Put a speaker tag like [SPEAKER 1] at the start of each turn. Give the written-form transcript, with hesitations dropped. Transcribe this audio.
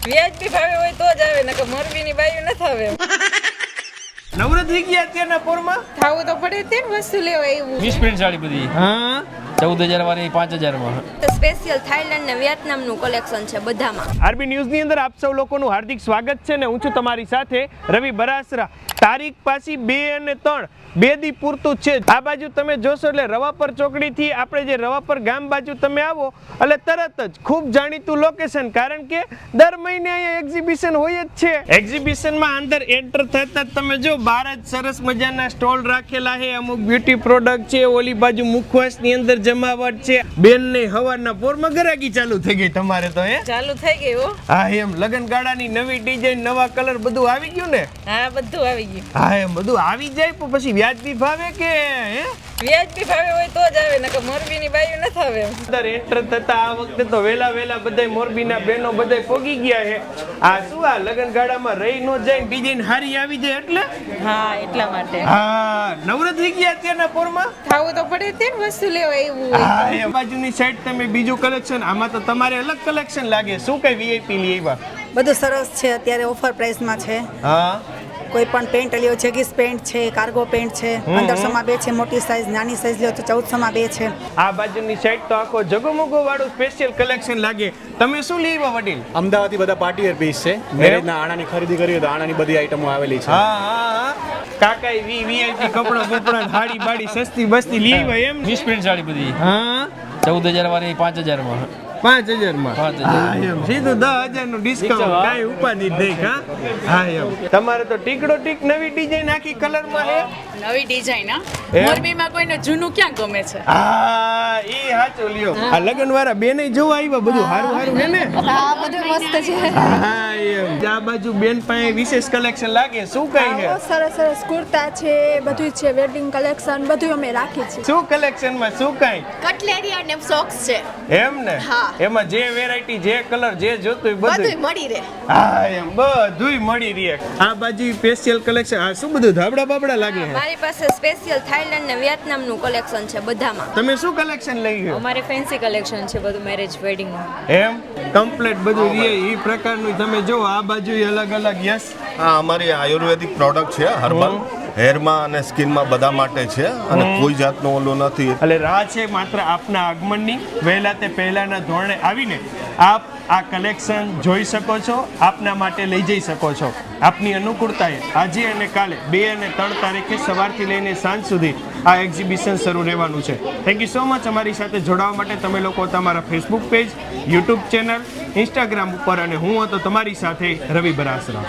[SPEAKER 1] વ્યાજબી ભાવે હોય તો જ આવે, નકર મોરબીની બાયું ન થાવે.
[SPEAKER 2] નવરાત્રી ગયા અત્યારના પોરમાં
[SPEAKER 1] થાવું તો પડે તે ને વસ્તુ લેવા એવું.
[SPEAKER 3] 20 પ્રિન્ટ સાડી બધી
[SPEAKER 2] હા
[SPEAKER 3] 14,000 વાળી 5,000 માં.
[SPEAKER 4] સ્પેશિયલ થાઈલેન્ડ ને વિયેતનામનું કલેક્શન છે બધામાં.
[SPEAKER 2] આરબી ન્યૂઝની અંદર આપ સૌ લોકોનું હાર્દિક સ્વાગત છે ને હું છું તમારી સાથે રવિ બરાસરા. તારીખ પાછી 2 અને 3 બે દી પૂરતું છે. આ બાજુ તમે જોશો એટલે રવાપર ચોકડીથી આપણે જે રવાપર ગામ બાજુ તમે આવો એટલે તરત જ ખૂબ જાણીતું લોકેશન, કારણ કે દર મહિને અહીંયા એક્ઝિબિશન હોય જ છે. એક્ઝિબિશનમાં અંદર એન્ટર થતા જ તમે જો બહાર જ સરસ મજાના સ્ટોલ રાખેલા છે. અમુક બ્યુટી પ્રોડક્ટ છે, ઓલી બાજુ મુખવાસની અંદર જમાવટ છે. બેન ને હવારના પોરમાં ગરાગી ચાલુ થઈ ગઈ તમારે તો હે?
[SPEAKER 1] ચાલુ થઈ ગઈ હો.
[SPEAKER 2] હા એમ લગન ગાળાની નવી ડિઝાઇન, નવા કલર બધું આવી ગયું ને?
[SPEAKER 1] હા બધું આવી ગયું.
[SPEAKER 2] હા એમ બધું આવી જાય પણ પછી વ્યાજબી ભાવે કે હે?
[SPEAKER 1] વ્યાજબી ભાવે હોય તો જ આવે, નકર મોરબીની બાયું ન થાવે.
[SPEAKER 2] અંદર એન્ટર થતા આ વખતે તો વેલા બધાય મોરબીના બહેનો બધાય પોગી ગયા છે. આ શું આ લગન ગાળામાં રહી નો જાય, ડિઝાઇન હારી આવી જાય એટલે?
[SPEAKER 1] હા એટલા માટે.
[SPEAKER 2] હા નવરાત્રી ગયા અત્યારના પોરમાં
[SPEAKER 1] થાવું તો પડે તે ને વસ્તુ લેવા એવું હોય.
[SPEAKER 2] હા એ બાજુની સાઈડ તમે બીજું કલેક્શન, આમાં તો તમારે અલગ કલેક્શન લાગે. શું કઈ વીઆઈપી લઈ આવ્યા?
[SPEAKER 5] બધું સરસ છે, અત્યારે ઓફર પ્રાઇસમાં છે.
[SPEAKER 2] હા
[SPEAKER 5] કોઈ પણ પેન્ટ લ્યો, જેગીસ પેન્ટ છે, કાર્ગો પેન્ટ છે, 1500 માં 2 છે, મોટી સાઈઝ, નાની સાઈઝ લ્યો તો 1400 માં 2 છે.
[SPEAKER 2] આ બાજુની સાઈડ તો આખો જગમગો વાળું સ્પેશિયલ કલેક્શન લાગે. તમે શું લઈ આવ્યા વડીલ?
[SPEAKER 6] અમદાવાદથી બધા પાર્ટી વેર પીસ છે. મેરેજના આણાની ખરીદી કરી તો આણાની બધી આઈટમો આવેલી છે.
[SPEAKER 2] હા કાકાઈ વીઆઈપી કપડા બપડા હાડી બાડી સસ્તી બસ્તી લઈ આવ્યા એમ?
[SPEAKER 3] 20 પ્રિન્ટ સાડી બધી
[SPEAKER 2] હા
[SPEAKER 3] 14,000 વાળી 5,000 માં.
[SPEAKER 2] 5,000 માં.
[SPEAKER 3] 5,000.
[SPEAKER 2] હા એમ સીધું 10,000 નું ડિસ્કાઉન્ટ. કાઈ ઉપાધિ જ નહીં. હા એમ તમારે તો ટીકડો ટીક નવી ડિઝાઇન આખી કલર માં હે.
[SPEAKER 7] નવી ડિઝાઇન
[SPEAKER 2] એમ?
[SPEAKER 7] મોરબીમાં કોઈને જૂનું ક્યાં ગમે છે?
[SPEAKER 2] હા ઈ હાચો લ્યો. આ લગન વાળા બેને જોવા આવ્યા, બધું હારું હે ને?
[SPEAKER 4] હા બધું મસ્ત છે.
[SPEAKER 2] હા એમ આ બાજુ બેન પાસે વિશેષ કલેક્શન લાગે. શું કઈ છે?
[SPEAKER 8] સરસ સરસ કુર્તા છે, બધું છે, વેડિંગ કલેક્શન બધું અમે રાખી છે.
[SPEAKER 2] શું કલેક્શન માં શું કઈ?
[SPEAKER 7] કટલેરી અને સોક્સ છે.
[SPEAKER 2] એમ ને?
[SPEAKER 7] હા.
[SPEAKER 2] એમાં જે વેરાયટી, જે કલર, જે જોતું
[SPEAKER 7] બધું
[SPEAKER 2] બધું
[SPEAKER 7] મળી રહે.
[SPEAKER 2] હા એમ બધુંય મળી રહે. આ બાજુ સ્પેશિયલ કલેક્શન. આ શું બધું ધાબડા બાબડા લાગે છે?
[SPEAKER 4] મારી પાસે સ્પેશિયલ થાઈલેન્ડ ને વિયેતનામનું કલેક્શન છે બધામાં.
[SPEAKER 2] તમે શું કલેક્શન લઈ ગયો?
[SPEAKER 1] અમારે ફેન્સી કલેક્શન છે બધું મેરેજ વેડિંગ.
[SPEAKER 2] એમ કમ્પ્લીટ બધું રહે ઈ પ્રકારનું તમે જો. આ બાજુ અલગ અલગ. યસ
[SPEAKER 9] આ અમારી આયુર્વેદિક પ્રોડક્ટ છે, હર્બલ હેરમાં અને સ્કિનમાં બધા માટે છે અને કોઈ જાતનો ઓલો નથી.
[SPEAKER 2] એટલે રાહ છે માત્ર આપના આગમનની. વહેલા તે પહેલાના ધોરણે આવીને આપ આ કલેક્શન જોઈ શકો છો, આપના માટે લઈ જઈ શકો છો. આપની અનુકૂળતાએ આજે અને કાલે 2 અને 3 તારીખે સવારથી લઈને સાંજ સુધી આ એક્ઝિબિશન શરૂ રહેવાનું છે. થેન્ક યુ સો મચ અમારી સાથે જોડાવા માટે. તમે લોકો તમારા Facebook page, YouTube channel, Instagram ઉપર, અને હું હતો તમારી સાથે રવિ બરાસરા.